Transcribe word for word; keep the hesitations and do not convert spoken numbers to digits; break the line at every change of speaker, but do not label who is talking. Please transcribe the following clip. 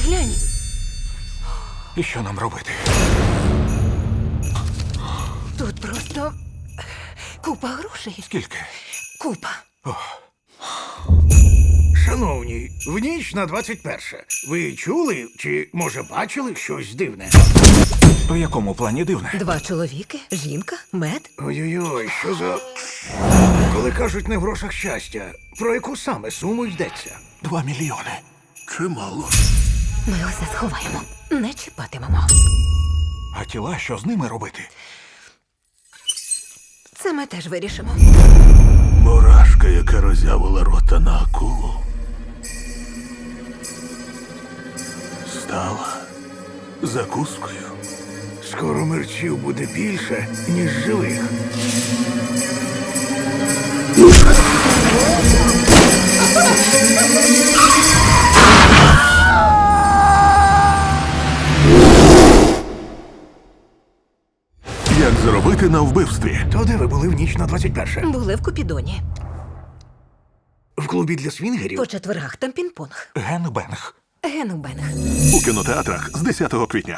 Глянь.
І що нам робити?
Тут просто купа грошей.
Скільки?
Купа.
Шановні, в ніч на двадцять перше. Ви чули чи, може, бачили щось дивне?
У якому плані дивне?
Два чоловіки, жінка, мед.
Ой-ой-ой, що за. Коли кажуть не в грошах щастя, про яку саме суму йдеться?
Два мільйони.
Чимало.
Ми усе сховаємо. Не чіпатимемо.
А тіла, що з ними робити?
Це ми теж вирішимо.
Мурашка, яка роззявила рота на акулу, стала закускою.
Скоро мерчів буде більше, ніж живих.
Як заробити на вбивстві?
То де ви були в ніч на двадцять перше?
Були в Купідоні.
В клубі для свінгерів?
По четвергах там пінг-понг.
Генбенг.
Генубенг.
У кінотеатрах з десятого квітня.